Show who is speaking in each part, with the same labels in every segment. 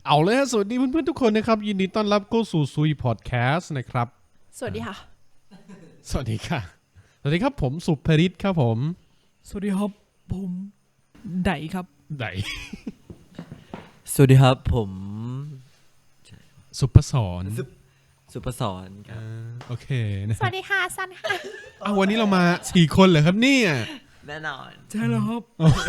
Speaker 1: เอาเลยฮะสวัสดีเพื่อนๆทุกคนนะครับยินดีต้อนรับเข้าสู่ซุยพอดแคสต์นะครับ
Speaker 2: สวัสดีค่ะ
Speaker 1: สวัสดีค่ะสวัสดีครับผมสุภริศครับผม
Speaker 2: สวัสดีครับผมไดครับ
Speaker 1: ได
Speaker 3: สวัสดีครับผม
Speaker 1: สุภศร
Speaker 3: สุปสรครับ
Speaker 1: โอเคนะ
Speaker 2: สวัสดีค่ะซันค่ะ
Speaker 1: วันนี้เรามา4คนเหรอครับเนี่ย
Speaker 3: แน่นอน
Speaker 2: ใช่แล้วครับ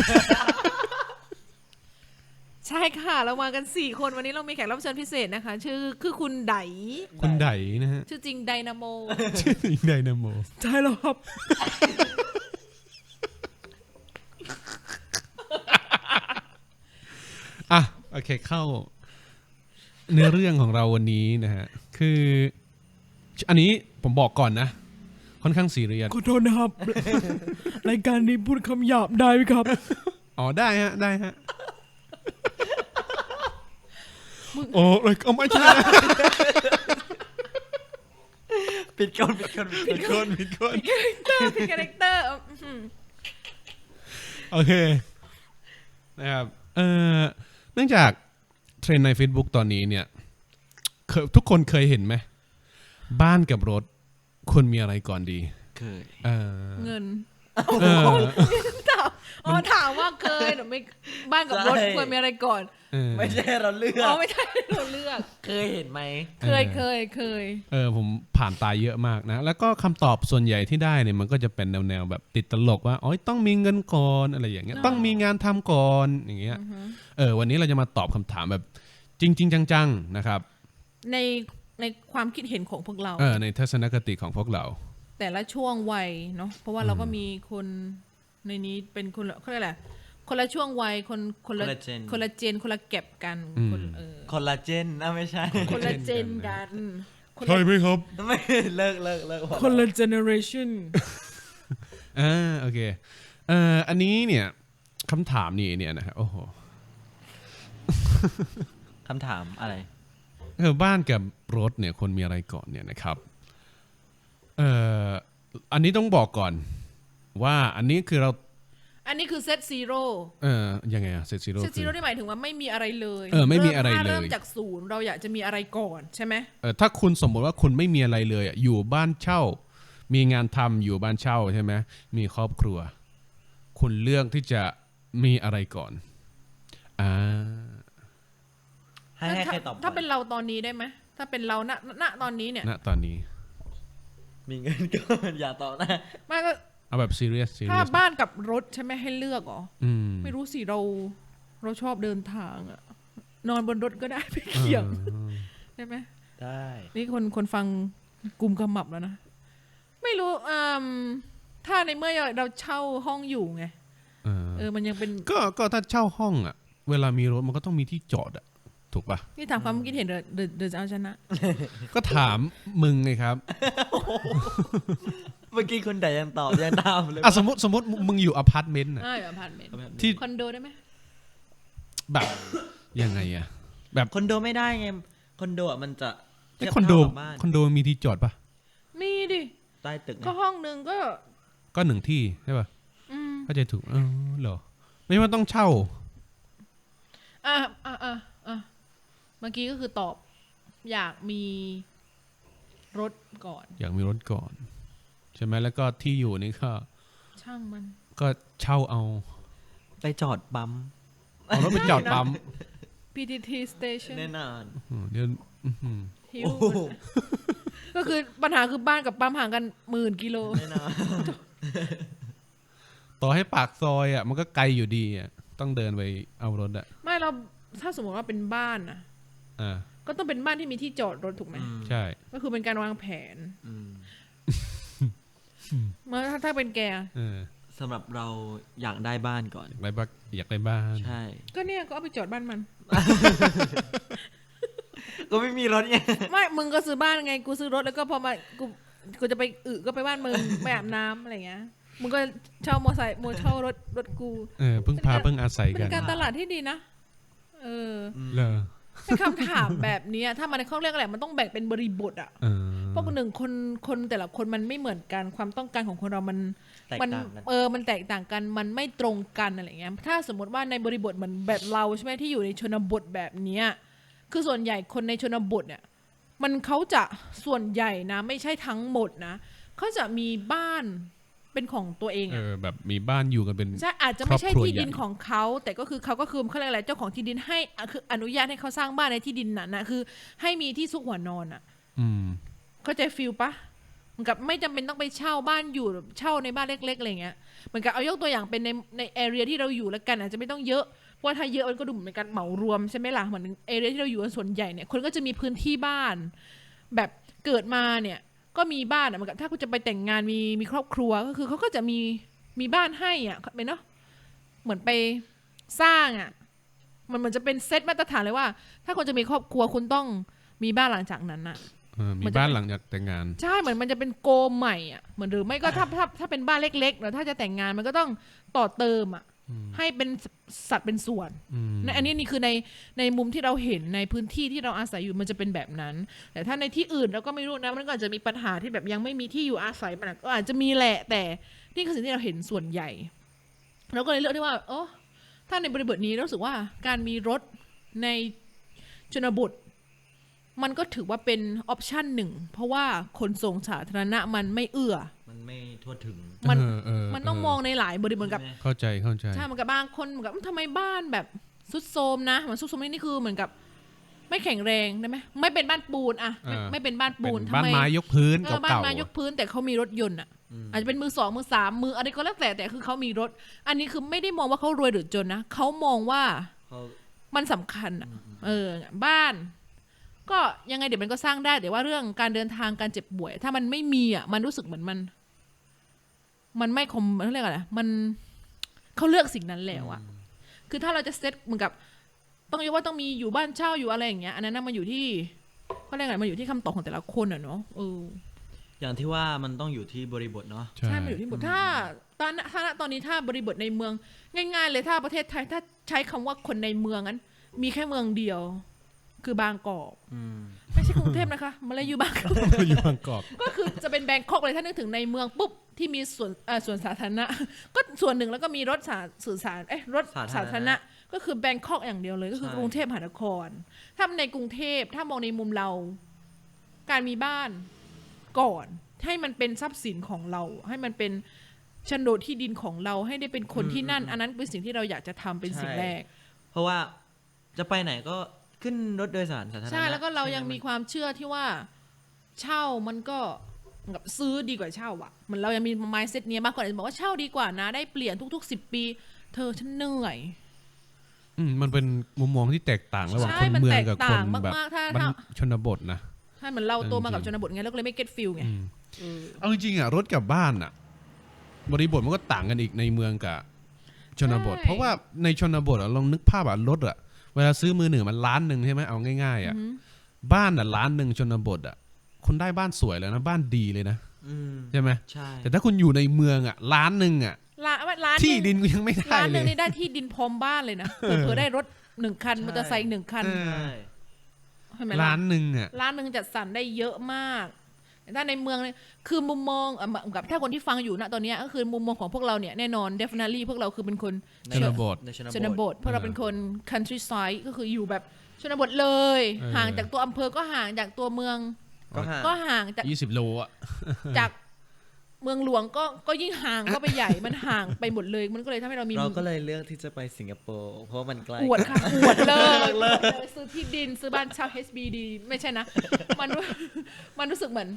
Speaker 2: ใช่ค่ะเรามากัน4คนวันนี้เรามีแขกรับเชิญพิเศษนะคะชื่อคือคุณได
Speaker 1: คุณไดนะฮะ
Speaker 2: ชื่อจริงไดนาโม
Speaker 1: ชื่อจริงไดนาโม
Speaker 2: ใช่แล้วครับ
Speaker 1: โอเคเข้าเนื้อเรื่องของเราวันนี้นะฮะคืออันนี้ผมบอกก่อนนะค่อนข้างซีเรียส
Speaker 2: ขอโทษนะครับ รายการนี้พูดคำหยาบได้ไหมครับ
Speaker 1: ได้ฮะโอ้ยก็ไม่ใช่
Speaker 3: ปิดก่อน
Speaker 2: ปิดคาแรคเตอร์
Speaker 1: โอเคนะครับเนื่องจากเทรนด์ใน Facebook ตอนนี้เนี่ยทุกคนเคยเห็นไหมบ้านกับรถควรมีอะไรก่อนดี
Speaker 3: เคย
Speaker 2: เงินถามว่าเคยหรือไม่บ้านกับรถควรมีอะไรก่อน
Speaker 3: ไม่ใช่เราเลือก
Speaker 2: ไม่ใช่เราเลือก
Speaker 3: เคยเห็นไหม
Speaker 2: เคย
Speaker 1: ผมผ่านตายเยอะมากนะแล้วก็คำตอบส่วนใหญ่ที่ได้เนี่ยมันก็จะเป็นแนวแบบติดตลกว่าต้องมีเงินก่อนอะไรอย่างเงี้ยต้องมีงานทำก่อนอย่างเงี้ยวันนี้เราจะมาตอบคำถามแบบจริงๆจังๆนะครับ
Speaker 2: ในความคิดเห็นของพวกเรา
Speaker 1: ในทัศนคติของพวกเรา
Speaker 2: แต่ละช่วงวัยเนาะเพราะว่าเราก็มีคนในนี้เป็นคนเขาเรียกอะไรคนละช่วงวัยคนละเจนคนละเก็บกัน
Speaker 3: คนละเจนนะไม่ใช่
Speaker 2: คนละเจนกัน
Speaker 1: ใช่ไหมครับ
Speaker 3: ไม่เลิก
Speaker 2: คนละเจเนอเรชั่น
Speaker 1: โอเคอันนี้เนี่ยคำถามนี้เนี่ยนะครับโอ้โห
Speaker 3: คำถามอะไร
Speaker 1: บ้านกับรถเนี่ยคนมีอะไรก่อนเนี่ยนะครับอันนี้ต้องบอกก่อนว่าอันนี้คือ
Speaker 2: เซตซีโร่
Speaker 1: ยังไงอะเซตซีโร่
Speaker 2: นี่หมายถึงว่าไม่มีอะไรเลย
Speaker 1: ไม่มีอะไรเลย
Speaker 2: เริ่มจากศูนย์เราอยากจะมีอะไรก่อนใช่ไหม
Speaker 1: ถ้าคุณสมมติว่าคุณไม่มีอะไรเลยอยู่บ้านเช่ามีงานทำอยู่บ้านเช่าใช่ไหมมีครอบครัวคุณเลือกที่จะมีอะไรก่อน
Speaker 3: ให้ใครตอบ
Speaker 2: ถ้าเป็นเราตอนนี้ได้ไหมถ้าเป็นเราณตอนนี้เนี่ย
Speaker 1: ณตอนนี้
Speaker 3: มีเงินก่อนอย่าตอบนะ
Speaker 2: ไม่ก็
Speaker 1: เอาแบบซีเรียส
Speaker 2: ถ้าบ้านกับรถใช่ไหมให้เลือกหรอไม่รู้สิเราชอบเดินทางอะนอนบนรถก็ได้ไปเขี่ยงได้ไหม
Speaker 3: ได้
Speaker 2: นี่คนฟังกลุ่มกำมับแล้วนะไม่รู้ถ้าในเมื่อเราเช่าห้องอยู่ไงมันยังเป็น
Speaker 1: ก็ถ้าเช่าห้องอะเวลามีรถมันก็ต้องมีที่จอดอะถูกปะ
Speaker 2: นี่ถามความคิดเห็นเดินจะเอาชนะ
Speaker 1: ก็ถามมึงไงครับ
Speaker 3: เมื่อกี้คนใดยังตอบยังตามเลย
Speaker 1: สมมติมึงอยู่อพาร์ตเมนต์
Speaker 2: อพาร์ตเมนต์
Speaker 1: ที่
Speaker 2: คอนโดได้ไหม
Speaker 1: แบบยังไงอะแบบ
Speaker 3: คอนโดไม่ได้ไงคอนโดมันจะ
Speaker 1: คอนโดมีที่จอดปะ
Speaker 2: มีดิ
Speaker 3: ใต้ตึก
Speaker 2: ก็ห้องนึง
Speaker 1: ก็หนึ่งที่ใช่ปะเข้าใจถูกเหรอไม่ว่าต้องเช่า
Speaker 2: เมื่อกี้ก็คือตอบอยากมีรถก่อน
Speaker 1: อยากมีรถก่อนใช่ไหมแล้วก็ที่อยู่นี่ก็
Speaker 2: ช่างมัน
Speaker 1: ก็เช่าเอา
Speaker 3: ไปจอดปั๊ม
Speaker 1: เอารถไปจอดปั๊ม
Speaker 2: PTT station
Speaker 3: แน่นอน
Speaker 1: เดี๋ยว
Speaker 2: หิวก็คือปัญหาคือบ้านกับปั๊มห่างกัน10,000 กิโล
Speaker 3: แน่นอน
Speaker 1: ต่อให้ปากซอยอ่ะมันก็ไกลอยู่ดีอ่ะต้องเดินไปเอารถอ่ะ
Speaker 2: ไม่เราถ้าสมมติว่าเป็นบ้านนะก็ต้องเป็นบ้านที่มีที่จอดรถถูกไหม
Speaker 1: ใช่
Speaker 2: ก็คือเป็นการวางแผนเมื่อถ้าเป็นแก
Speaker 3: สำหรับเราอยากได้บ้านก่อน
Speaker 1: อยากได้บ้าน
Speaker 3: ใช่
Speaker 2: ก็เนี่ยก็เอาไปจอดบ้านมัน
Speaker 3: ก็ไม่มีรถไง
Speaker 2: ไม่มึงก็ซื้อบ้านไงกูซื้อรถแล้วก็พอมากูจะไปก็ไปบ้านมึงไปอาบน้ำอะไรเงี้ยมึงก็เช่ามอไซค์เช่ารถกู
Speaker 1: เพิ่งอาศัยกัน
Speaker 2: เป็นการตลาดที่ดีนะเป็นคำถามแบบนี้ถ้ามันเขาเรียกอะไรมันต้องแบ่งเป็นบริบทอ่ะเพราะหนึ่งคนแต่ละคนมันไม่เหมือนกันความต้องการของคนเรามันมันแตกต่างกันมันไม่ตรงกันอะไรเงี้ยถ้าสมมติว่าในบริบทเหมือนแบบเราใช่ไหมที่อยู่ในชนบทแบบนี้คือส่วนใหญ่คนในชนบทเนี่ยมันเขาจะส่วนใหญ่นะไม่ใช่ทั้งหมดนะเขาจะมีบ้านเป็นของตัวเองอะ
Speaker 1: แบบมีบ้านอยู่กันเป็น
Speaker 2: ใช่อาจจะไม่ใช่
Speaker 1: ครอบครัว
Speaker 2: ที่ดิน
Speaker 1: ใหญ่
Speaker 2: ของเขาแต่ก็คือเขาเรียกอะไรเจ้าของที่ดินให้คืออนุญาตให้เขาสร้างบ้านในที่ดินนั้นนะคือให้มีที่ซุกหัวนอนอ่ะ
Speaker 1: อืม
Speaker 2: เข้าใจฟิลปะเหมือนกับไม่จำเป็นต้องไปเช่าบ้านอยู่เช่าในบ้านเล็กๆอะไรเงี้ยเหมือนกับเอายกตัวอย่างเป็นในแอเรียที่เราอยู่แล้วกันอาจจะไม่ต้องเยอะเพราะว่าถ้าเยอะมันก็ดูเหมือนการเหมารวมใช่ไหมล่ะเหมือนแอเรียที่เราอยู่กันส่วนใหญ่เนี่ยคนก็จะมีพื้นที่บ้าน แบบเกิดมาเนี่ยก็มีบ้านอ่ะเหมือนกับถ้าคุณจะไปแต่งงานมีครอบครัวก็คือเขาก็จะมีบ้านให้อ่ะเป็นเนาะเหมือนไปสร้างอ่ะมันเหมือนจะเป็นเซตมาตรฐานเลยว่า ถ้าคุณจะมีครอบครัวคุณต้องมีบ้านหลังจากนั้นอ่ะ
Speaker 1: มีบ้านหลังจากแต่งงาน
Speaker 2: ใช่เหมือนมันจะเป็นโกใหม่อ่ะเหมือนหรือไม่ก็ถ้าเป็นบ้านเล็กๆแล้วถ้าจะแต่งงานมันก็ต้องต่อเติมอ่ะให้เป็นสัดเป็นส่วนในอันนี้นี่คือในมุมที่เราเห็นในพื้นที่ที่เราอาศัยอยู่มันจะเป็นแบบนั้น แต่ถ้าในที่อื่นเราก็ไม่รู้นะมันก็อาจจะมีปัญหาที่แบบยังไม่มีที่อยู่อาศัยมันก็อาจจะมีแหละแต่นี่คือสิ่งที่เราเห็นส่วนใหญ่เราก็เลยเลือกที่ว่าถ้าในบริบทนี้รู้สึกว่าการมีรถในชนบทมันก็ถือว่าเป็นออปชันหนึ่งเพราะว่าขนส่งสาธารณะมันไม่เอื้อ
Speaker 3: มันไม่ทั่วถึง
Speaker 2: มันต้องมองในหลายบริบทกับ
Speaker 1: เข้าใจ
Speaker 2: ใช่เหมือนกับบางคนเหมือนกับทำไมบ้านแบบซุดโทรมนะเหมือนซุดโทรมนี่คือเหมือนกับไม่แข็งแรงได้ไหมไม่เป็นบ้านปูนอะไม่เป็นบ้านปูน
Speaker 1: บ้านไม้ยกพื้น
Speaker 2: บ้าน
Speaker 1: เก่า
Speaker 2: ไม้ยกพื้นแต่เขามีรถยนต์อะอาจจะเป็นมือสองมือสามมืออะไรก็แล้วแต่คือเขามีรถ อันนี้คือไม่ได้มองว่าเขารวยหรือจนนะเขามองว่ามันสำคัญอะบ้านก็ยังไงเดี๋ยวมันก็สร้างได้แต่ว่าเรื่องการเดินทางการเจ็บป่วยถ้ามันไม่มีอ่ะมันรู้สึกเหมือนมันไม่คมเขาเรียกอะไรมันเขาเลือกสิ่งนั้นแล้วอ่ะคือถ้าเราจะเซตเหมือนกับต้องยกว่าต้องมีอยู่บ้านเช่าอยู่อะไรอย่างเงี้ยอันนั้นมันอยู่ที่เขาเรียกอะไรมันอยู่ที่คำตอบของแต่ละคนอ่ะเนาะ
Speaker 3: อย่างที่ว่ามันต้องอยู่ที่บริบทเนาะ
Speaker 2: ใช่มันอยู่ที่บทถ้าตอนนี้ถ้าบริบทในเมืองง่ายๆเลยถ้าประเทศไทยถ้าใช้คำว่าคนในเมืองนั้นมีแค่เมืองเดียวคือบางกอกไม่ใช่กรุงเทพนะคะมาเลยอยู่บางกอก
Speaker 1: อยู่บางกอก
Speaker 2: ก็คือจะเป็นแบงคอกเลยถ้านึกถึงในเมืองปุ๊บที่มีส่วนสาธารณะก็ส่วนหนึ่งแล้วก็มีรถสื่อสารรถสาธารณะก็คือแบงคอกอย่างเดียวเลยก็คือกรุงเทพมหานครถ้าในกรุงเทพถ้ามองในมุมเราการมีบ้านก่อนให้มันเป็นทรัพย์สินของเราให้มันเป็นโฉนดที่ดินของเราให้ได้เป็นคนที่นั่นอันนั้นเป็นสิ่งที่เราอยากจะทำเป็นสิ่งแรก
Speaker 3: เพราะว่าจะไปไหนก็ขึ้นรถโดยสารสาธารณะ
Speaker 2: ใช่แล้วก็เรายังมีความเชื่อที่ว่าเช่ามันก็กับซื้อดีกว่าเช่าอ่ะเหมือนเรายังมี mindset นี้มากกว่าจะบอกว่าเช่าดีกว่านะได้เปลี่ยนทุกๆ10 ปีเธอฉันเหนื่อย
Speaker 1: มันเป็นมุมมองที่แตกต่างระหว่างคนเมืองกับคนแบบชนบทนะ
Speaker 2: ใช่เหมือนเราโตมากับชนบทไงแล้วก็เลยไม่ get feel ไง
Speaker 1: เอาจริงๆอ่ะรถกับบ้านอ่ะบริบทมันก็ต่างกันอีกในเมืองกับชนบทเพราะว่าในชนบทลองนึกภาพรถอ่ะเวลาซื้อมือหนึ่งมัน1,000,000ใช่ไหมเอาง่ายๆอ่ะบ้านอ่ะ1,000,000ชนบทอ่ะคุณได้บ้านสวยแล้วนะบ้านดีเลยนะใช่ไหมใช่แต่ถ้าคุณอยู่ในเมืองอ่ะ1,000,000อ่ะที่ดินกูยังไม่ได้เลย
Speaker 2: 1,000,000นี่ได้ที่ดินพร้อมบ้านเลยนะเผื่อได้รถ1 คันมอเตอร์ไซค์1 คัน
Speaker 1: 1,000,000อ่ะ
Speaker 2: 1,000,000จัดสรรได้เยอะมากถ้าในเมืองเนี่ยคือมุมมองกับถ้าคนที่ฟังอยู่ณตอนนี้ก็คือมุมมองของพวกเราเนี่ยแน่นอน definitely พวกเราคือเป็นคน
Speaker 1: ชนบท
Speaker 2: พวกเราเป็นคน countryside ก็คืออยู่แบบชนบทเลยห่างจากตัวอำเภอก็ห่างจากตัวเมืองก็ห่างจาก
Speaker 1: 20 โลอ่ะ
Speaker 2: จากเมืองหลวงก็ยิ่งห่างก็ไปใหญ่มันห่างไปหมดเลยมันก็เลยทำให้เรา
Speaker 3: ก็เลยเลือกที่จะไปสิงคโปร์เพราะมันใกล้
Speaker 2: อวดค่ะอวดเลยซื้อที่ดินซื้อบ้านเช่า HBD ไม่ใช่นะมันรู้สึกเหมือน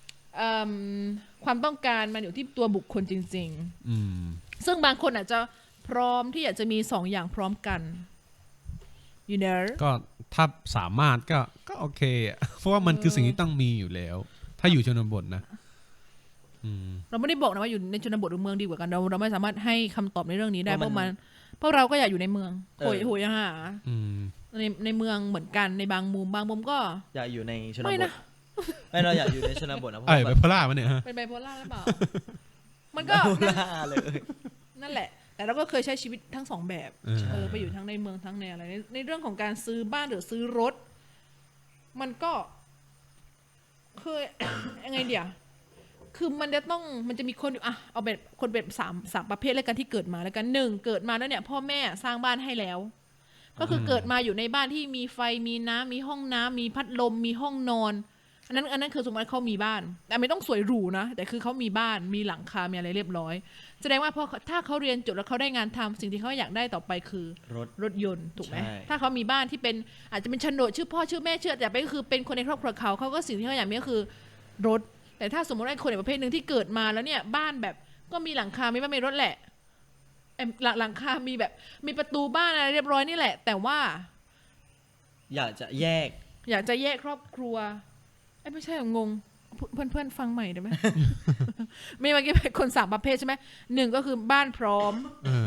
Speaker 2: ความต้องการมันอยู่ที่ตัวบุคคลจริงๆซึ่งบางคนอาจจะพร้อมที่อยากจะมี2 อย่างพร้อมกันyou know
Speaker 1: ก็ถ้าสามารถก็โอเคเพราะว่ามันคือสิ่งที่ต้องมีอยู่แล้วถ้าอยู่ชนบทนะ
Speaker 2: เราไม่ได้บอกนะว่าอยู่ในชนบทหรือเมืองดีกว่ากันเราไม่สามารถให้คำตอบในเรื่องนี้ได้เพราะเราก็อยากอยู่ในเมืองโหยหาในเมืองเหมือนกันในบางมุมก็
Speaker 3: อยากอยู่ในชนบทไม่เราอยากอยู่ในชนบทนะ
Speaker 1: ไบโพล่ามันเนี่ย
Speaker 2: เป็นไบโพล่าหรือเปล่ามันก็
Speaker 3: เลย
Speaker 2: นั่นแหละแต่เราก็เคยใช้ชีวิตทั้ง2 แบบไปอยู่ทั้งในเมืองทั้งในอะไรในเรื่องของการซื้อบ้านหรือซื้อรถมันก็เคย ยังไงเดี๋ยวคือมันจะมีคนอยู่เอาแบบคนแบบ3ประเภทแล้วกันที่เกิดมาแล้วกัน1เกิดมาแล้วเนี่ยพ่อแม่สร้างบ้านให้แล้วก็คือเกิดมาอยู่ในบ้านที่มีไฟมีน้ำมีห้องน้ำมีพัดลมมีห้องนอนอันนั้นคือสมมติเขามีบ้านแต่ไม่ต้องสวยหรูนะแต่คือเขามีบ้านมีหลังคามีอะไรเรียบร้อยแสดงว่าถ้าเขาเรียนจบแล้วเขาได้งานทำสิ่งที่เขาอยากได้ต่อไปคือรถยนต์ถูกไหมถ้าเขามีบ้านที่เป็นอาจจะเป็นโฉนดชื่อพ่อชื่อแม่ชื่อแต่ไปก็คือเป็นคนในครอบครัวเขาก็สิ่งที่เขาอยากมีก็คือรถแต่ถ้าสมมติว่าคนในประเภทหนึ่งที่เกิดมาแล้วเนี่ยบ้านแบบก็มีหลังคามีบ้านมีรถแหละหลังคามีแบบมีประตูบ้านอะไรเรียบร้อยนี่แหละแต่ว่า
Speaker 3: อยากจะแยก
Speaker 2: ครอบครัวไม่ใช่งงเพื่อนฟังใหม่ได้ไหม มีเมื่อกี้เป็นคน3ประเภทใช่ไหมหนึ่งก็คือบ้านพร้อม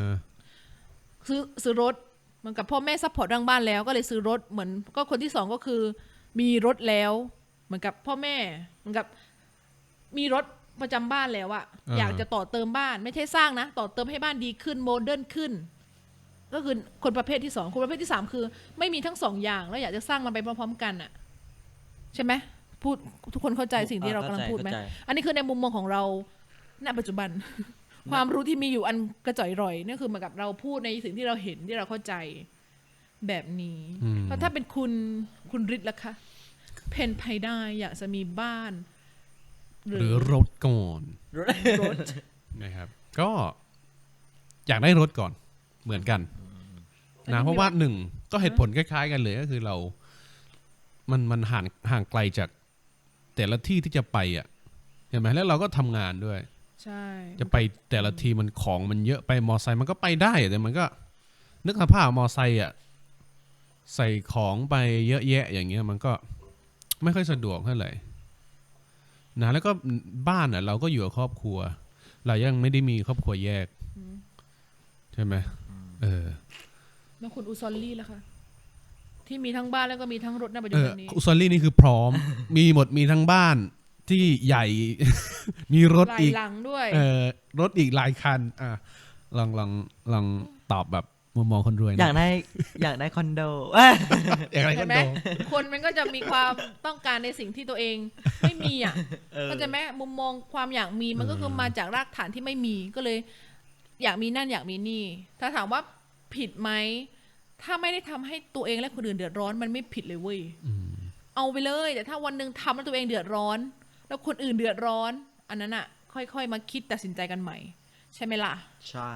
Speaker 2: ซื้อรถเหมือนกับพ่อแม่ซัพพอร์ตเรื่องบ้านแล้วก็เลยซื้อรถเหมือนก็คนที่2ก็คือมีรถแล้วเหมือนกับพ่อแม่เหมือนกับมีรถประจำบ้านแล้วอะอยากจะต่อเติมบ้านไม่ใช่สร้างนะต่อเติมให้บ้านดีขึ้นโมเดิร์นขึ้นก็คือคนประเภทที่2คนประเภทที่3คือไม่มีทั้ง2อย่างแล้วอยากจะสร้างมันไปพร้อมๆกันอะใช่ไหมพูดทุกคนเข้าใจสิ่งที่เรากำลังพูดไหมอันนี้คือในมุมมองของเราณปัจจุบัน ความรู้ที่มีอยู่อันกระจ่อยร่อยนี่คือเหมือนกับเราพูดในสิ่งที่เราเห็นที่เราเข้าใจแบบนี้แล้วถ้าเป็นคุณฤทธิ์ล่ะคะเพนไพได้อยากจะมีบ้าน
Speaker 1: หรือรถก่อน
Speaker 2: รถ
Speaker 1: นะครับก็อยากได้รถก่อนเหมือนกันนะเพราะว่าหนึ่งก็เหตุผลคล้ายๆกันเลยก็คือเรามันห่างไกลจากแต่ละที่ที่จะไปอ่ะเห็นไหมแล้วเราก็ทำงานด้วย
Speaker 2: ใช่
Speaker 1: จะไปแต่ละทีมันของมันเยอะไปมอไซค์มันก็ไปได้แต่มันก็นึกสภาพมอไซค์อ่ะใส่ของไปเยอะแยะอย่างเงี้ยมันก็ไม่ค่อยสะดวกเท่าไหร่นะแล้วก็บ้านอ่ะเราก็อยู่กับครอบครัวเรายังไม่ได้มีครอบครัวแยกใช่ไหม
Speaker 2: แล้วคุณอุซอลลี่ล่ะคะที่มีทั้งบ้านแล้วก็มีทั้งรถในปัจจุบันนี้
Speaker 1: อุซอลลี่นี่คือพร้อม มีหมดมีทั้งบ้านที่ใหญ่ มีรถอีก
Speaker 2: หลังด้วย
Speaker 1: รถอีกหลายคันลองตอบแบบมุมมองคนรวย
Speaker 3: อยากได้คอนโด
Speaker 1: อยากได้คอนโด
Speaker 2: คนมันก็จะมีความต้องการในสิ่งที่ตัวเองไม่มีอ่ะก็จะแม้มุมมองความอยากมีมันก็คือมาจากรากฐานที่ไม่มีก็เลยอยากมีนั่นอยากมีนี่ถ้าถามว่าผิดไหมถ้าไม่ได้ทำให้ตัวเองและคนอื่นเดือดร้อนมันไม่ผิดเลยเว้ยเอาไปเลยแต่ถ้าวันนึงทำแล้วตัวเองเดือดร้อนแล้วคนอื่นเดือดร้อนอันนั้นอ่ะค่อยๆมาคิดตัดสินใจกันใหม่ใช่ไหมล่ะ
Speaker 3: ใช่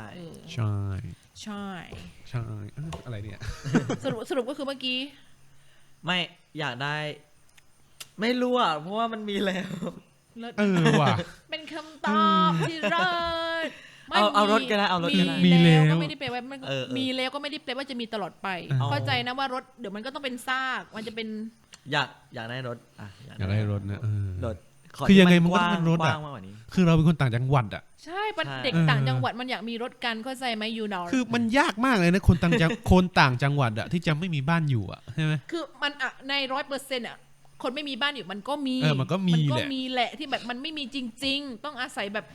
Speaker 1: อะไรเนี่ย
Speaker 2: สรุปก็คือเมื่อกี้
Speaker 3: ไม่อยากได้ไม่รู้อ่ะเพราะว่ามันมีแล้ว
Speaker 1: ว่ะ
Speaker 2: เป็นคำตอบที่เลิศ
Speaker 3: เอารถก็ได้เอารถก็ได้
Speaker 2: มีแล้วก็ไม่ได้แปลว่ามีแล้วก็ไม่ได้แปลว่าจะมีตลอดไปเข้าใจนะว่ารถเดี๋ยวมันก็ต้องเป็นซากมันจะเป็น
Speaker 3: อยากได้รถ
Speaker 1: อยากได้รถนะ
Speaker 3: รถ
Speaker 1: คือยังไงมันก็ต้องเป็นรถอ่ะคือเราเป็นคนต่างจังหวัดอ่ะ
Speaker 2: ใช่เด็กต่างจังหวัดมันอยากมีรถกันเข้าใจไหมยูนอร์
Speaker 1: คือมันยากมากเลยนะคนต่างจังหวัดอ่ะที่จะไม่มีบ้านอยู่อ่ะใช่ไหม
Speaker 2: คือมันอ่ะใน100%อ่ะคนไม่มีบ้านอยู่มันก็มี
Speaker 1: มันก็มี
Speaker 2: แหละที่แบบมันไม่มีจริงๆต้องอาศัยแบบ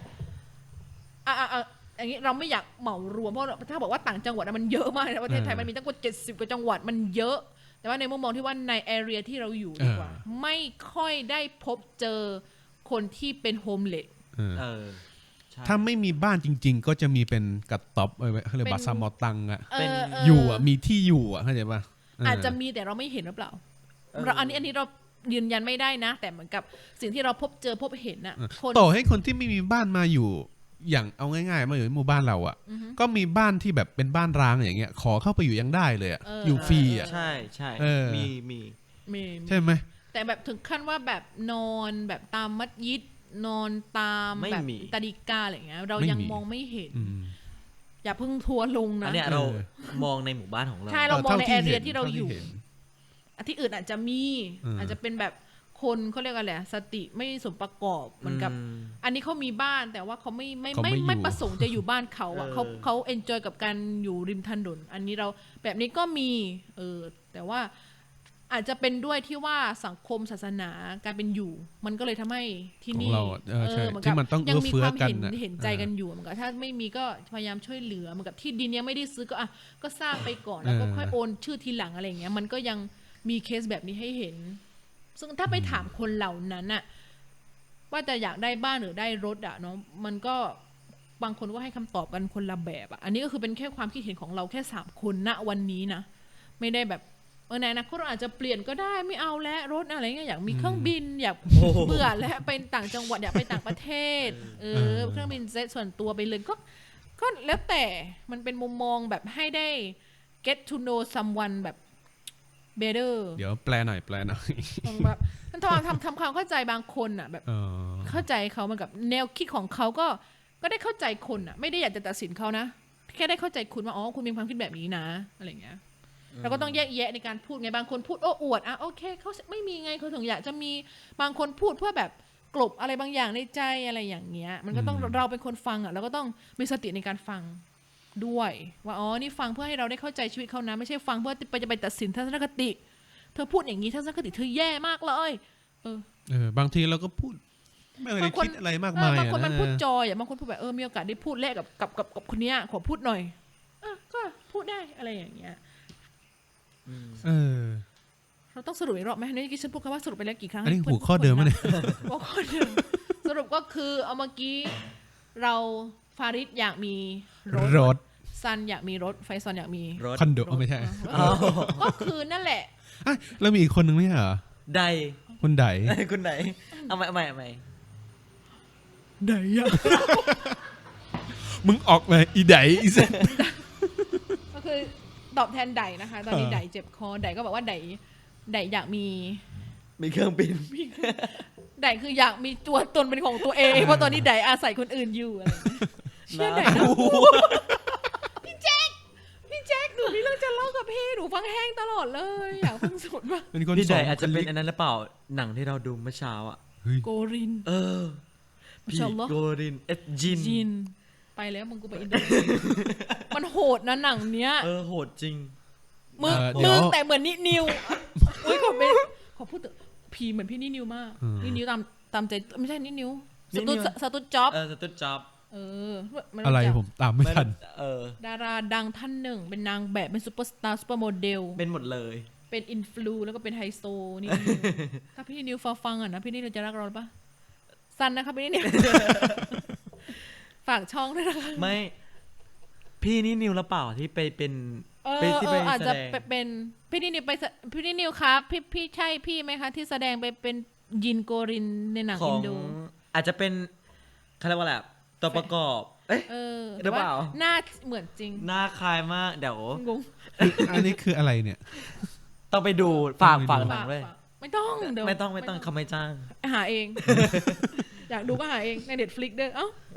Speaker 2: อย่างนี้เราไม่อยากเหมารวมเพราะถ้าบอกว่าต่างจังหวัดมันเยอะมากในประเทศไทยมันมีตั้งกว่า70 กว่าจังหวัดมันเยอะแต่ว่าในมุมมองที่ว่าในแอเรียที่เราอยู่ดีกว่าไม่ค่อยได้พบเจอคนที่เป็นโฮมเลส
Speaker 1: ถ้าไม่มีบ้านจริงๆก็จะมีเป็นกระต๊อบเขาเรียกบาซามอตังอ่ะอยู่อ่ะมีที่อยู่อ่ะเข้าใจป่ะ
Speaker 2: อาจจะมีแต่เราไม่เห็นหรือเปล่าอันนี้เรายืนยันไม่ได้นะแต่เหมือนกับสิ่งที่เราพบเห็นอ่ะ
Speaker 1: ต่อให้คนที่ไม่มีบ้านมาอยู่อย่างเอาง่ายๆมาอยู่ในหมู่บ้านเราอ่ะก็มีบ้านที่แบบเป็นบ้านร้างอย่างเงี้ยขอเข้าไปอยู่ยังได้เลยอ่ะอยู่ฟรีอ่ะ
Speaker 3: ใช่มี
Speaker 1: ใช่ไหม
Speaker 2: แต่แบบถึงขั้นว่าแบบนอนแบบตามมัสยิดนอนตามแบบตาดิกาอะไรอย่างเงี้ยเรายังมองไม่เห็นอย่าเพิ่งทัวร์ลงนะ
Speaker 3: อันเนี้ยเรามองในหมู่บ้านของเรา
Speaker 2: ใช่เรามองในแอเรียที่เราอยู่ที่อื่นอาจจะมีอาจจะเป็นแบบคนเขาเรียกอะไรสติไม่สมประกอบเหมือนกับอันนี้เขามีบ้านแต่ว่าเขาไม่ประสงค์จะอยู่บ้านเขาอ่ะเขาเอนจอยกับการอยู่ริมถนนอันนี้เราแบบนี้ก็มีแต่ว่าอาจจะเป็นด้วยที่ว่าสังคมศาสนาการเป็นอยู่มันก็เลยทำให้ที่นี่
Speaker 1: ที่มันต้อง
Speaker 2: ยังมีความเห็นใจกันอยู่เหมือนกับถ้าไม่มีก็พยายามช่วยเหลือเหมือนกับที่ดินยังไม่ได้ซื้อก็สร้างไปก่อนแล้วก็ค่อยโอนชื่อทีหลังอะไรอย่างเงี้ยมันก็ยังมีเคสแบบนี้ให้เห็นซึ่งถ้าไปถามคนเหล่านั้นน่ะว่าจะอยากได้บ้านหรือได้รถอ่ะเนาะมันก็บางคนก็ให้คำตอบกันคนละแบบอ่ะอันนี้ก็คือเป็นแค่ความคิดเห็นของเราแค่3 คนณวันนี้นะไม่ได้แบบในอนาคตเราอาจจะเปลี่ยนก็ได้ไม่เอาแล้วรถอะไรเงี้ยอยากมีเครื่องบินอยากเบื่อแล้วไปต่างจังหวัดอยากไปต่างประเทศเครื่องบินเจ็ตส่วนตัวไปเลยก็แล้วแต่มันเป็นมุมมองแบบให้ได้ get to know someone แบบ better
Speaker 1: เดี๋ยวแปลหน่อย
Speaker 2: แบบมันทำความเข้าใจบางคนอ่ะแบบเข้าใจเขามันกับแนวคิดของเขาก็ได้เข้าใจคนอ่ะไม่ได้อยากจะตัดสินเขานะแค่ได้เข้าใจคุณว่าอ๋อคุณมีความคิดแบบนี้นะอะไรเงี้ยเราก็ต้องแยกแยะในการพูดไงบางคนพูดโอ้อวดอ่ะโอเคเขาไม่มีไงเขาถึงอยากจะมีบางคนพูดเพื่อแบบกลบอะไรบางอย่างในใจอะไรอย่างเงี้ยมันก็ต้องเราเป็นคนฟังอ่ะเราก็ต้องมีสติในการฟังด้วยว่าอ๋อนี่ฟังเพื่อให้เราได้เข้าใจชีวิตเขานะไม่ใช่ฟังเพื่อจะไปตัดสินทัศนคติเธอพูดอย่างนี้ทัศนคติเธอแย่มากเลย
Speaker 1: บางทีเราก็พูดไม่ได้คิดอะไรมากมาย
Speaker 2: บางคนมันพูดจอยบางคนพูดแบบมีโอกาสได้พูดแลกกับคนเนี้ยขอพูดหน่อยก็พูดได้อะไรอย่างเงี้ยเราต้องสรุปอีกรอบไหมนี่กี้ฉันพูดคำว่าสรุปไปแล้วกี่ครั้ง
Speaker 1: อันนี้หัวข้อเดิมไหมเนี่ย
Speaker 2: หัวข้อเดิมสรุปก็คือเอาเมื่อกี้เราฟาริดอยากมีรถซันอยากมีรถไฟซอนอยากมี
Speaker 3: รถ
Speaker 1: คอนโดไม่ใช่
Speaker 2: ก็คือนั่นแหละ
Speaker 1: แล้วมีอีกคนนึงไหมเหรอ
Speaker 3: ใด
Speaker 1: คุณได
Speaker 3: คุณไดเอาใหม่
Speaker 1: ไดอะมึงออกเลยอีไดอีเซน
Speaker 2: ก็คือตอบแทนไดนะคะตอนนี้ไดเจ็บคอไดก็บอกว่าไดอยากมี
Speaker 3: เครื่องบิน
Speaker 2: ไดคืออยากมีตัวตนเป็นของตัวเองเพราะตอนนี้ไดอาศัยคนอื่นอยู่อะไรเชื่อไดนะพี่แจ็คหนูมีเรื่องจะเล่ากับพี่หนูฟังแห้งตลอดเลยอยากฟังสุดมาก
Speaker 3: พี่ไดอาจจะเป็นอันนั้นหรือเปล่าหนังที่เราดูเมื่อเช้าอ่ะ
Speaker 2: โกริน
Speaker 3: พี่โกรินจิน
Speaker 2: ไปแล้วมึงกูไปอินโดมันโหดนะหนังเนี้ย
Speaker 3: โหดจริง
Speaker 2: มึงแต่เหมือนนิวอุ้ยขอพูดพีเหมือนพี่นิวมากนิวตามใจไม่ใช่นิวสตูดจ็อบ
Speaker 1: อะไรผมตามไม่ทัน
Speaker 2: ดาราดังท่านหนึ่งเป็นนางแบบเป็นซุปเปอร์สตาร์ซุปเปอร์โมเดล
Speaker 3: เป็นหมดเลย
Speaker 2: เป็นอินฟลูแล้วก็เป็นไฮโซนี่ถ้าพี่นิวฟังอ่ะนะพี่นิวจะรักเราปะซันนะครับพี่นิวฝากช่องด้วยนะคะ
Speaker 3: ไม่พี่นิวหรือเปล่าที่ไปเป็น
Speaker 2: อาจจะเป็นพี่นิวครับพี่ใช่พี่ไหมคะที่แสดงไปเป็นยินโกรินในหนังอินโด
Speaker 3: อาจจะเป็นเขาเรียกว่าอะไรตัวประกอบหรือเปล่า
Speaker 2: หน้าเหมือนจริง
Speaker 3: หน้าคล้ายมากเดี๋ยว
Speaker 2: งง
Speaker 1: อันนี้คืออะไรเนี่ย
Speaker 3: ต้องไปดูฝากหนังด้วย
Speaker 2: ไม่ต้อง
Speaker 3: เขาไม่จ้าง
Speaker 2: หาเองอยากดูก็หาเองใน Netflix ด้วย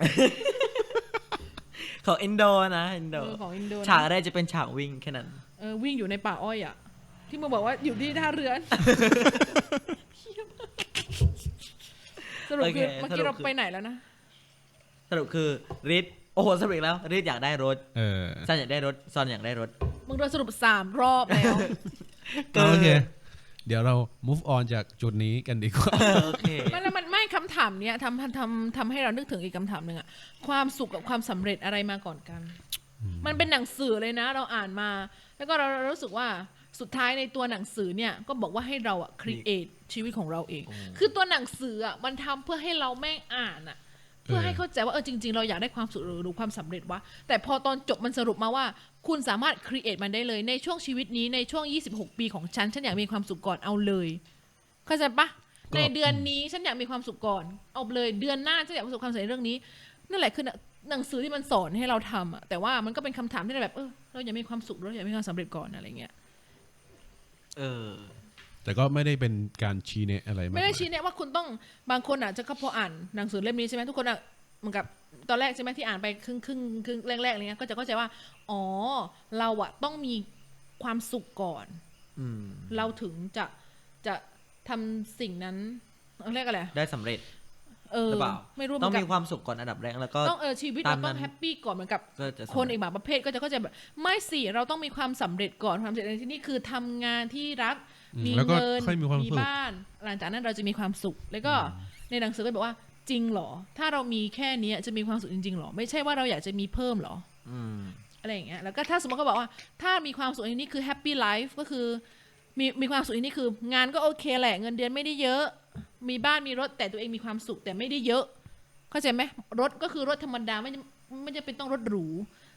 Speaker 3: ของอินโดนะอินโดฉากแรกจะเป็นฉากวิ่งแค่นั้น
Speaker 2: วิ่งอยู่ในป่าอ้อยอ่ะที่มึงบอกว่าอยู่ที่ท่าเรือสรุปคือเมื่อกี้เราไปไหนแล้วนะ
Speaker 3: สรุปคือริดโอ้โหสรุปแล้วริดอยากได้รถซันอยากได้รถซอนอยากได้รถ
Speaker 2: มึงโดนสรุป3 รอบแล้ว
Speaker 1: โอเคเดี๋ยวเรา move on จากจุดนี้กันดีกว่า
Speaker 3: โอเค
Speaker 2: มันไม่คำถามเนี้ยทำให้เรานึกถึงอีกคำถามหนึ่งอะความสุขกับความสำเร็จอะไรมาก่อนกันมันเป็นหนังสือเลยนะเราอ่านมาแล้วก็เรารู้สึกว่าสุดท้ายในตัวหนังสือเนี่ยก็บอกว่าให้เราอะ create ชีวิตของเราเองคือตัวหนังสืออะมันทำเพื่อให้เราแม่งอ่านอะเพื่อให้เข้าใจว่าจริงๆเราอยากได้ความสุขหรือความสำเร็จวะแต่พอตอนจบมันสรุปมาว่าคุณสามารถ create มันได้เลยในช่วงชีวิตนี้ในช่วง26 ปีของฉันอยากมีความสุขก่อนเอาเลยเข้าใจปะในเดือนนี้ฉันอยากมีความสุขก่อนเอาเลยเดือนหน้าฉันอยากประสบความสำเร็จเรื่องนี้นั่นแหละคือหนังสือที่มันสอนให้เราทำอะแต่ว่ามันก็เป็นคำถามที่แบบเราอยากมีความสุขเราอยากมีความสำเร็จก่อนอะไรเงี้ย
Speaker 1: แต่ก็ไม่ได้เป็นการชี้แนะอะไร
Speaker 2: ไม่ได้ชี้แนะว่าคุณต้องบางคนอาจจะพออ่านหนังสือเล่มนี้ใช่ไหมทุกคนเหมือนกับตอนแรกใช่ไหมที่อ่านไปครึ่งแรกๆอะไรเงี้ยก็จะเข้าใจว่าอ๋อเราอะต้องมีความสุขก่อนเราถึงจะทำสิ่งนั้นเรียกอะไร
Speaker 3: ได้สำเร็จหรือเปล่าไม่รู้ต้องมีความสุขก่อนอันดับแรกแล้วก็
Speaker 2: ต้องชีวิตเราต้องแฮปปี้ก่อนเหมือนกับคนอีกบางประเภทก็จะเข้าใจแบบไม่สิเราต้องมีความสำเร็จก่อนความสำเร็จในที่นี้คือทำงานที่รักมีเงินมีบ้านหลังจากนั้นเราจะมีความสุขแล้วก็ในหนังสือก็บอกว่าจริงหรอถ้าเรามีแค่นี้จะมีความสุขจริงๆหรอไม่ใช่ว่าเราอยากจะมีเพิ่มหรออะไรอย่างเงี้ยแล้วก็ถ้าสมมติเขาบอกว่าถ้ามีความสุขในนี้คือแฮปปี้ไลฟ์ก็คือมีความสุขในนี้คืองานก็โอเคแหละเงินเดือนไม่ได้เยอะมีบ้านมีรถแต่ตัวเองมีความสุขแต่ไม่ได้เยอะเข้าใจไหมรถก็คือรถธรรมดาไม่จะเป็นต้องรถหรู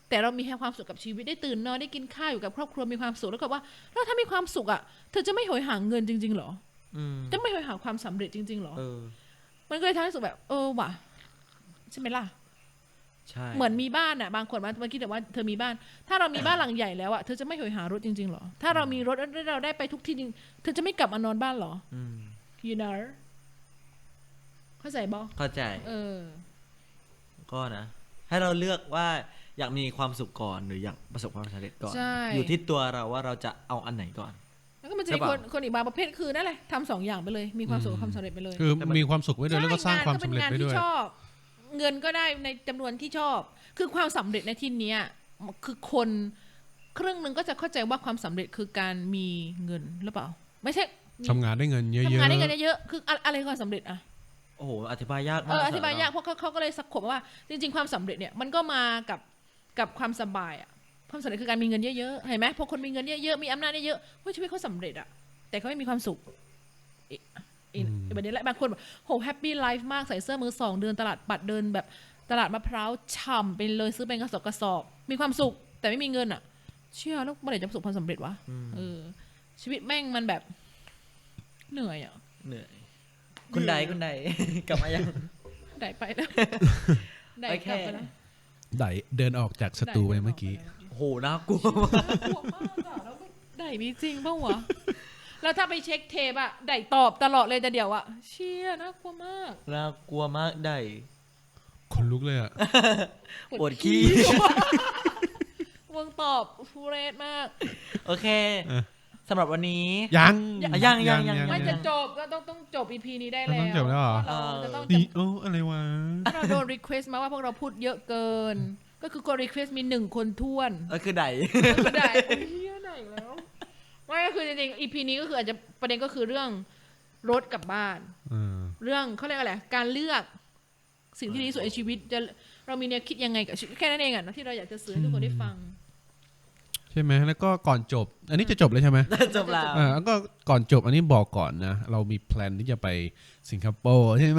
Speaker 2: แต่เรามีแค่ความสุขกับชีวิตได้ตื่นนอนได้กินข้าวอยู่กับครอบครัวมีความสุขแล้วก็ว่าแล้วถ้ามีความสุขอ่ะเธอจะไม่โหยหาเงินจริงๆหรอจะไม่โหยหาความสำเร็จจริงๆหรอมันก็เลยทำให้รู้สึกแบบว่ะใช่ไหมล่ะ
Speaker 3: ใช่
Speaker 2: เหมือนมีบ้านอ่ะบางคนมาคิดแต่ว่าเธอมีบ้านถ้าเรามีบ้านหลังใหญ่แล้วอ่ะเธอจะไม่โหยหารถจริงๆหรอถ้าเรามีรถแล้วเราได้ไปทุกที่จริงเธอจะไม่กลับมานอนบ้านหรอyou know เข้าใจบ่
Speaker 3: เข้าใจก็นะให้เราเลือกว่าอยากมีความสุขก่อนหรืออยากประสบความสำเร็จก่อนอยู่ที่ตัวเราว่าเราจะเอาอันไหนก่อน
Speaker 2: แล้วก็มันจะมีคนอีกบางประเภทคือนั่นแหละทำสองอย่างไปเลยมีความสุขกับความสำเร็จไปเลย
Speaker 1: คือมีความสุขไว้ด้วยแล้วก็สร้างความสำเร็จไปด้วย
Speaker 2: เงินก็ได้ในจำนวนที่ชอบคือความสำเร็จในที่นี้คือคนครึ่งนึงก็จะเข้าใจว่าความสำเร็จคือการมีเงินหรือเปล่าไม่ใช่
Speaker 1: ทำงานได้เงินเยอะๆ
Speaker 2: ทำงานได้เงินเยอะๆคืออะไรความสำเร็จอะ
Speaker 3: โอ้โหอธิบายยากมาก
Speaker 2: อธิบายยากเพราะเขาก็เลยสักขบว่าจริงๆความสำเร็จเนี่ยมันก็มากับความสบายอะความสำเร็จคือการมีเงินเยอะๆเห็นไหมพอคนมีเงินเยอะๆมีอำนาจเยอะๆชีวิตเขาสำเร็จอะแต่เขาไม่มีความสุขแบบนี้แหละบางคนแบบโหแฮปปี้ไลฟ์มากใส่เสื้อมือสองเดินตลาดปัดเดินแบบตลาดมะพร้าวฉ่ำไปเลยซื้อเป็นกระสอบมีความสุขแต่ไม่มีเงินอ่ะเชื่อแล้วเมื่อไหร่จะประสบความสำเร็จวะชีวิตแม่งมันแบบเหนื่อยอ่ะ
Speaker 3: เหนื่อยคุณใดกลับมายัง
Speaker 2: ไดไปแล้วไดกลับไปแล้ว
Speaker 1: ไดเดินออกจากสตูไปเมื่อกี้
Speaker 3: โหน่ากลัวม
Speaker 2: ากแล้วไดมีจริงป่าววะแล้วถ้าไปเช็คเทปอะไดตอบตลอดเลยแต่เดี๋ยวอะเชี่ยน่ากลัวม
Speaker 3: ากได
Speaker 1: คนลุกเลยอะ
Speaker 3: ปวดขี้
Speaker 2: วงตอบฟูเรสมาก
Speaker 3: โอเคสำหรับวันนี้
Speaker 1: ยัง
Speaker 2: ไม่จะจบก็ต้องจบ EP นี้ได้แล้ว
Speaker 1: ต้องจบแล้วเหรอนี่อะไรวะ
Speaker 2: เราโดนรีเควสต์มาว่าพวกเราพูดเยอะเกินก็คือคนรีเควสต์มี1คนท้วน
Speaker 3: คือได
Speaker 2: เฮียไดแล้วไม่ก็คือจริงๆ EP นี้ก็คืออาจจะประเด็นก็คือเรื่องรถกับบ้านเรื่องเขาเรียกอะไรการเลือกสิ่งที่ดีที่สุดในชีวิตจะเรามีแนวคิดยังไงกับชีวิตแค่นั้นเองอ่ะนะที่เราอยากจะสื่อให้ทุกคนได้ฟัง
Speaker 1: ใช่ไหมแล้วก็ก่อนจบอันนี้จะจบเลยใช่ไหม
Speaker 3: จบแล้ว
Speaker 1: แล้วก็ก่อนจบอันนี้บอกก่อนนะเรามีแพลนที่จะไปสิงคโปร์ใช่ไหม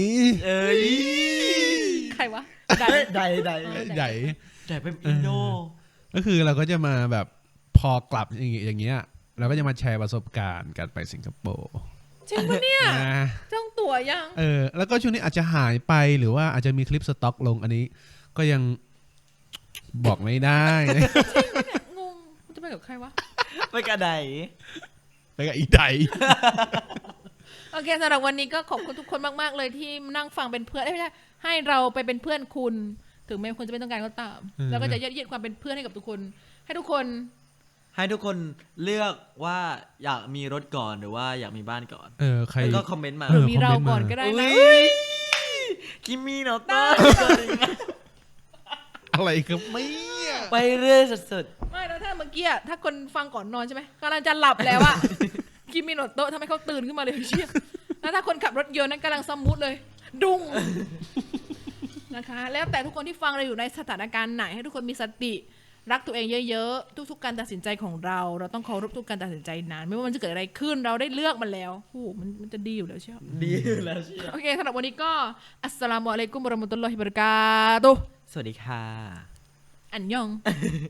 Speaker 2: ใครวะ
Speaker 3: ใหญ่เป็นอินโด
Speaker 1: ก็คือเราก็จะมาแบบพอกลับอย่างเงี้ยเราก็จะมาแชร์ประสบการณ์การไปสิงคโปร์
Speaker 2: จริงปะเนี่ยจองตั๋วยัง
Speaker 1: แล้วก็ช่วงนี้อาจจะหายไปหรือว่าอาจจะมีคลิปสต็อกลงอันนี้ก็ยังบอกไม่ได้
Speaker 2: จริงปะเนี่ยงงจะไปกับใครวะ
Speaker 3: ไปกับได
Speaker 1: ไปกับอีได
Speaker 2: โอเคสำหรับวันนี้ก็ขอบคุณทุกคนมากๆเลยที่นั่งฟังเป็นเพื่อนไม่ใช่ให้เราไปเป็นเพื่อนคุณถึงแม้คุณจะไม่ต้องการก็ตามแล้วก็จะยัดเยียดความเป็นเพื่อนให้กับทุกคนให้ทุกคน
Speaker 3: เลือกว่าอยากมีรถก่อนหรือว่าอยากมีบ้านก่อน
Speaker 1: ใคร
Speaker 3: ก็คอมเมนต์มา
Speaker 2: หรือมีเราก่อนก็ได้นะ
Speaker 3: คิมมี่เนาะต้า
Speaker 1: อะไรครับไม่
Speaker 3: ไปเรื่อยสุด
Speaker 2: ๆไม่แล้วถ้าเมื่อกี้ถ้าคนฟังก่อนนอนใช่ไหมกำลังจะหลับแล้วอะคิมมี่โนโต้ทำให้เขาตื่นขึ้นมาเลยเชี่ยแล้วถ้าคนขับรถยนต์นั้นกำลังสมูทเลยดุ้งนะคะแล้วแต่ทุกคนที่ฟังเราอยู่ในสถานการณ์ไหนให้ทุกคนมีสติรักตัวเองเยอะๆทุกๆการตัดสินใจของเราต้องเคารพทุกการตัดสินใจนานไม่ว่ามันจะเกิดอะไรขึ้นเราได้เลือกมันแล้วโอ้มันจะดีอยู่แล้วเชียว
Speaker 3: ดีอยู่แล้วเชียว
Speaker 2: โอเคสำหรับวันนี้ก็อัสสลามุอะลัยกุมวะเราะมะตุลลอฮิวะบะเราะกาตุฮ์
Speaker 3: สวัสดีค่ะ
Speaker 2: อันยอง